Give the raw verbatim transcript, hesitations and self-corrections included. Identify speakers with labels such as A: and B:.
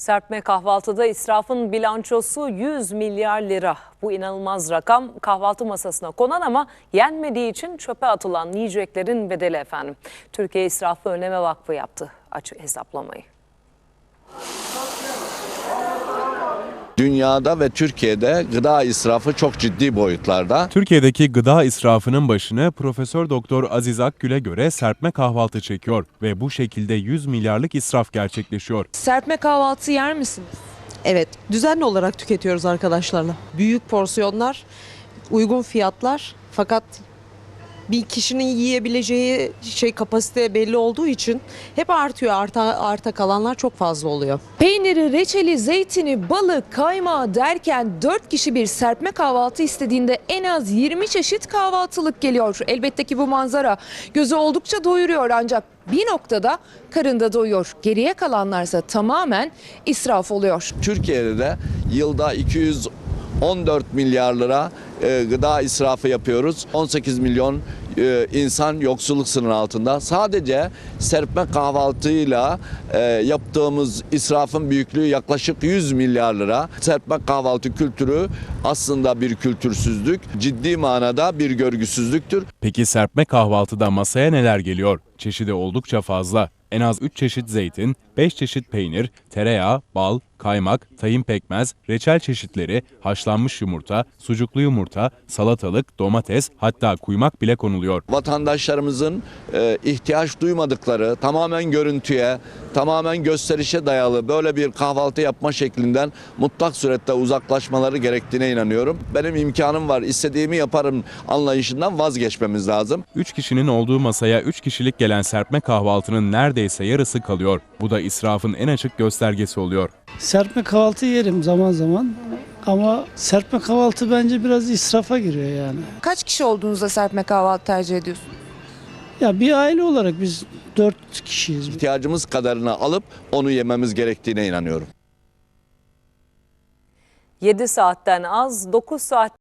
A: Serpme kahvaltıda israfın bilançosu yüz milyar lira. Bu inanılmaz rakam kahvaltı masasına konan ama yenmediği için çöpe atılan yiyeceklerin bedeli efendim. Türkiye İsrafı Önleme Vakfı yaptı açık hesaplamayı.
B: Dünyada ve Türkiye'de gıda israfı çok ciddi boyutlarda.
C: Türkiye'deki gıda israfının başını Profesör Doktor Aziz Akgül'e göre serpme kahvaltı çekiyor ve bu şekilde yüz milyarlık israf gerçekleşiyor.
D: Serpme kahvaltı yer misiniz?
E: Evet, düzenli olarak tüketiyoruz arkadaşlarla. Büyük porsiyonlar, uygun fiyatlar fakat bir kişinin yiyebileceği şey kapasite belli olduğu için hep artıyor. Arta, arta kalanlar çok fazla oluyor.
D: Peyniri, reçeli, zeytini, balı, kaymağı derken dört kişi bir serpme kahvaltı istediğinde en az yirmi çeşit kahvaltılık geliyor. Elbette ki bu manzara gözü oldukça doyuruyor ancak bir noktada karında doyuyor. Geriye kalanlarsa tamamen israf oluyor.
B: Türkiye'de de yılda iki yüz on dört milyar lira e, gıda israfı yapıyoruz. on sekiz milyon e, insan yoksulluk sınırı altında. Sadece serpme kahvaltıyla e, yaptığımız israfın büyüklüğü yaklaşık yüz milyar lira. Serpme kahvaltı kültürü aslında bir kültürsüzlük, ciddi manada bir görgüsüzlüktür.
C: Peki serpme kahvaltıda masaya neler geliyor? Çeşidi oldukça fazla. En az üç çeşit zeytin, beş çeşit peynir, tereyağı, bal, kaymak, tahin pekmez, reçel çeşitleri, haşlanmış yumurta, sucuklu yumurta, salatalık, domates, hatta kuymak bile konuluyor.
B: Vatandaşlarımızın e, ihtiyaç duymadıkları, tamamen görüntüye, tamamen gösterişe dayalı böyle bir kahvaltı yapma şeklinden mutlak surette uzaklaşmaları gerektiğine inanıyorum. Benim imkanım var, istediğimi yaparım anlayışından vazgeçmemiz lazım.
C: Üç kişinin olduğu masaya üç kişilik gelen serpme kahvaltının neredeyse yarısı kalıyor. Bu da israfın en açık göstergesi oluyor.
F: Serpme kahvaltı yerim zaman zaman ama serpme kahvaltı bence biraz israfa giriyor yani.
D: Kaç kişi olduğunuzda serpme kahvaltı tercih ediyorsunuz?
F: Ya bir aile olarak biz dört kişiyiz.
B: İhtiyacımız kadarını alıp onu yememiz gerektiğine inanıyorum.
A: yedi saatten az, dokuz saat